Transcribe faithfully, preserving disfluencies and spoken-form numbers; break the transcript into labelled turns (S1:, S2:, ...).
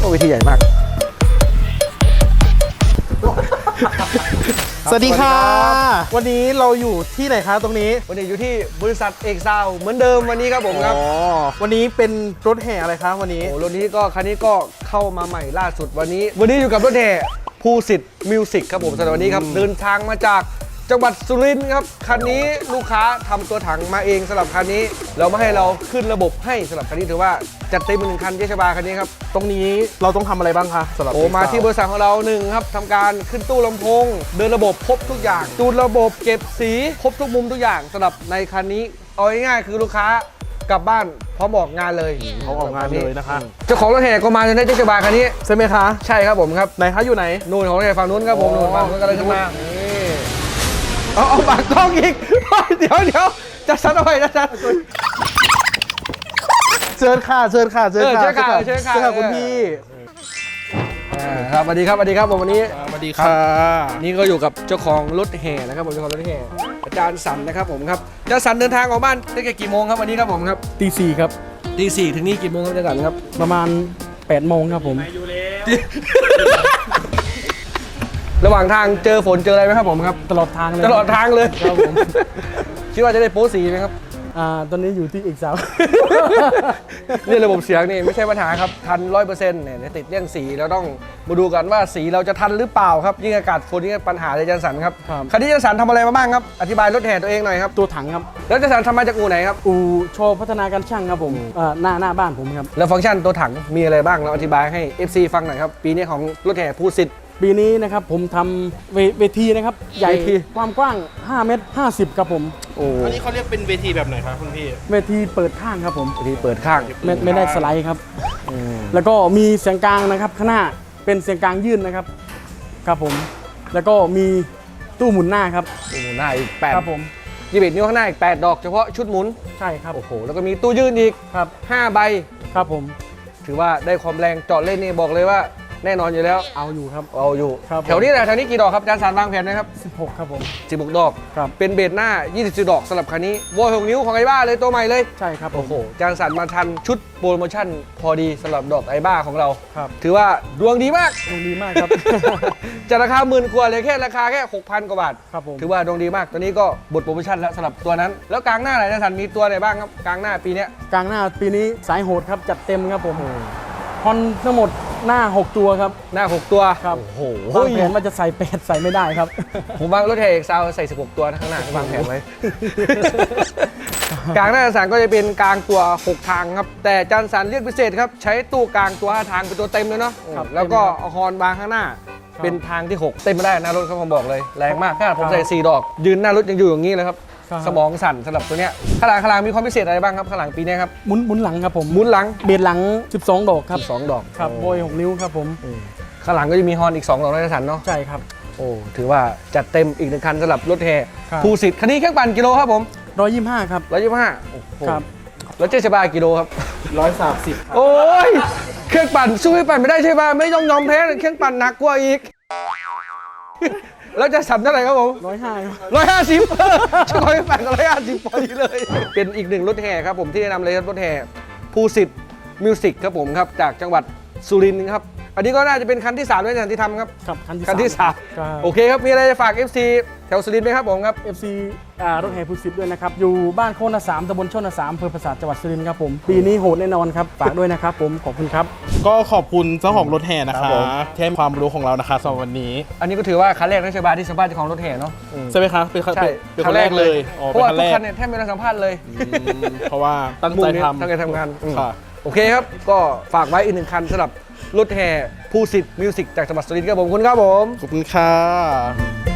S1: ก็เวทีใหญ่มาก
S2: สวัสดีค่ะวันนี้เราอยู่ที่ไหนคะตรงนี้
S1: วันนี้อยู่ที่บริษัทเอกซาวเหมือนเดิมวันนี้ครับผมครับ
S2: วันนี้เป็นรถแห่อะไรคะวันนี้
S1: โอ้รถนี้ก็คันนี้ก็เข้ามาใหม่ล่าสุดวันนี้ วันนี้อยู่กับรถแห่ภูสิทธิ์มิวสิกครับผมสำหรับวันนี้ครับเดินทางมาจากจังหวัดสุรินทร์ครับคันนี้ลูกค้าทำตัวถังมาเองสำหรับคันนี้เราไม่ให้เราขึ้นระบบให้สำหรับคันนี้ถือว่าจัดเต็มเป็นหนึ่งคันเยชบาคันนี้ครับ
S2: ตรงนี้เราต้องทำอะไรบ้างคะสำหรับ
S1: โอ้มาที่บริษัทของเราหนึ่งครับทำการขึ้นตู้ลำโพงเดินระบบครบทุกอย่างจูนระบบเก็บสีครบทุกมุมทุกอย่างสำหรับในคันนี้เอาง่ายๆคือลูกค้ากลับบ้านพร้อมออกงานเลย
S2: เขาออกงานเลยนะคะ
S1: เจ้าของรถแห่ก็มาในเทศบาลคันนี้
S2: ใช่ไหมคะ
S1: ใช่ครับผมครับ
S2: ไหนคะอยู่ไหน
S1: นู่นของรถแห่ฝั่งนู้นครับผมนู่นฝั่งนู้นกำลังจะมาเอาเอาปากกล้องอีกเดี๋ยวเดี๋ยวจะซัดเอาไว้จะซัด
S2: เชิญค่ะเชิญค่ะเชิญค่ะ
S1: เชิญค่ะเชิญค่ะ
S2: คุณพี่
S1: ครับสวัสดีครับสวัสดีครับผมวันนี้
S2: สวัสดีค่ะ
S1: นี่ก็อยู่กับเจ้าของรถแห่นะครับผมเจ้าของรถแห่อาจารย์สันนะครับผมครับอาจารย์สันเดินทางออกบ้านตั้งแต่กี่โมงครับวันนี้ครับผมครับ
S2: ตีสี่ครับ
S1: ตีสี่ถึงนี่กี่โมงครับอาจารย์สันครับ
S2: ประมาณแปดโมงครับผม
S1: ระหว่างทางเจอฝนเจออะไรไหมครับผมครับ
S2: ตลอดทางเลย
S1: ตลอดทางเลยครับผมคิดว่าจะได้โป๊สีไหมครับ
S2: อ่าตอนนี้อยู่ที่อีกสาว
S1: เนี่ยระบบเสียงนี่ไม่ใช่ปัญหาครับทันร้อยเปอร์เซ็นต์เนี่ยติดเรื่องสีเราต้องมาดูกันว่าสีเราจะทันหรือเปล่าครับยิ่งอากาศฝนยิ่งปัญหาเลยอาจารย์สันครับคันนี้อาจารย์สันทำอะไรมาบ้างครับอธิบายรถแห่ตัวเองหน่อยครับ
S2: ตัวถังครับ
S1: แล้วอาจารย์สันทำมาจากอู่ไหนครับ
S2: อู่โชว์พัฒนาการช่างครับผมหน้าหน้าบ้านผมครับ
S1: แล้วฟังก์ชันตัวถังมีอะไรบ้างเราอธิบายให้ เอฟ ซี ฟังหน่อยครับปีนี้ของรถแห่ภูสิทธิ์
S2: ปีนี้นะครับผมทำเวทีนะครับใหญ่ความกว้างห้าเมตรห้าสิบครับผม
S1: โอ้
S3: อันนี้เขาเรียกเป็นเวทีแบบไหนครับคุณพี่
S2: เวทีเปิดข้างครับผม
S1: เวทีเปิดข้าง
S2: ไม่ไม่ได้สไลด์ครับแล้วก็มีเสียงกลางนะครับข้างหน้าเป็นเสียงกลางยื่นนะครับครับผมแล้วก็มีตู้หมุนหน้าครับ
S1: ตู้หมุนหน้าอีกแปด
S2: ครับผม
S1: ยี่สิบเอ็ดนิ้วข้างหน้าอีกแปดดอกเฉพาะชุดหมุน
S2: ใช่ครับ
S1: โอ้โหแล้วก็มีตู้ยื่นอีก
S2: ครับ
S1: ห้าใบ
S2: ครับผม
S1: ถือว่าได้ความแรงจอดเล่นนี่บอกเลยว่าแน่นอนอยู่แล้ว
S2: เอาอยู่ครับ
S1: เอาอยู่แถวนี้แหละแถวนี้กี่ดอกครับอาจารย์สารวางแผนนะครับ
S2: สิบหกครับผม
S1: สิบหกดอก
S2: ครับ
S1: เป็นเบสหน้ายี่สิบสี่ดอกสำหรับคันนี้วอลหกนิ้วของไอบ้าเลยตัวใหม่เลย
S2: ใช่ครับ
S1: โอ้โหอาจารย์สารมาทันชุดโปรโมชั่นพอดีสำหรับดอกไอบ้าของเรา
S2: ครับ
S1: ถือว่าดวงดีมาก
S2: ดวงดีมากครับ
S1: จากราคาหมื่นกว่าเลยแค่ราคาแค่ หกพัน กว่าบาท
S2: ครับผม
S1: ถือว่าดวงดีมากตัวนี้ก็บทโปรโมชั่นแล้วสำหรับตัวนั้นแล้วกลางหน้าไหนอาจารย์สารมีตัวไหนบ้างครับกลางหน้าปีนี้
S2: กลางหน้าปีนี้สายโหดครับจัดเต็มครับผมฮอนทั้งหมดหน้าหกตัวครับ
S1: หน้าหกตัว
S2: ครับ
S1: โอ้โห
S2: วางแผนว่าจะใส่แปดใส่ไม่ได้ครับ
S1: ผมวางรถแห่เอกซาวใส่สิบหกตัวข้างหน้าวางแผนไว้กลางหน้าสันก็จะเป็นกลางตัวหกทางครับแต่จันสันเรียกพิเศษครับใช้ตู้กลางตัวห้าทางเป็นตัวเต็มเลยเนาะแล้วก็เอาฮอนวางข้างหน้าเป็นทางที่หกเต็มไม่ได้นะรถเขาผมบอกเลยแรงมากขนาดผมใส่สี่ดอกยืนหน้ารถยังอยู่อย่างนี้เลยครับสมองสั่นสำหรับตัวเนี้ยข้างหลังข้างหลังมีความพิเศษอะไรบ้างครับข้างหลังปีนี้ครับ
S2: หมุนหมุนหลังครับผม
S1: หมุนหลัง
S2: เบียดหลังสิบสองดอกครับ
S1: สองดอก
S2: ครับโบยหกนิ้วครับผม
S1: ข้างหลังก็จะมีฮอนอีกสองดอกนะสันเนาะ
S2: ใช่ครับ
S1: โอ้ถือว่าจัดเต็มอีกหนึ่งคันสำหรับรถแห่ภูสิทธิ์คันนี้เครื่องปั่นกิโลครับผม
S2: ร้อยยี่สิบห้าครับ
S1: ร้อยยี่สิบห้า
S2: ครับ
S1: รถเจ๊ชบากิโลครับ
S2: ร้อยสามสิบ
S1: โอ้ยเครื่องปั่นสู้ให้ปั่นไม่ได้ใช่ป่ะไม่ยอมยอมแพ้เครื่องปั่นหนักกว่าอีกแล้วจะสัมเท่าไหร่ครับผม
S2: ร้อยห้า
S1: ร้อยห้าสิบช่วยปั่นร้อยห้าสิบพอดีเลยเป็นอีกหนึ่งรถแห่ครับผมที่แนะนำเลยรถแห่ภูสิทธิ์มิวสิกครับผมครับจากจังหวัดสุรินทร์ครับอันนี้ก็น่าจะเป็นคันที่สามด้วยที่ทำครับ
S2: ครับ
S1: คันที่สามโอเคครับมีอะไรจะฝาก เอฟ ซี แถวสุรินทร์ไหมครับผมครับ
S2: เอฟ ซี อ่ารถแห่ภูสิทธิ์ด้วยนะครับอยู่บ้านโคนาสามตำบลชนสามอำเภอปราสาทจังหวัดสุรินทร์ครับผมปีนี้โหดแน่นอนครับฝากด้วยนะครับผมขอบคุณครับ
S3: ก็ขอบคุณเจ้าของรถแห่นะคะที่ให้ความรู้ของเรานะคะสำหรับวันนี้
S1: อันนี้ก็ถือว่าคันแรกในชบาที่สัมภาษณ์เจ้าของรถแห่เนาะ
S3: ใช่ไหมคะเป็น
S1: คันแรกเลยเพราะว่าทุกคันเนี่ยแทบไม่ได้สัมภาษณ์เลย
S3: เพราะว่าตั้งใจทำ
S1: ตั้งใจทำงานโอเคครับก็ฝากไว้อีกหนึ่งคันสำหรับรถแห่ภูสิทธิ์มิวสิกจากจังหวัดสุรินทร์ครับผมคุณครับผม
S3: ขอบคุณค่ะ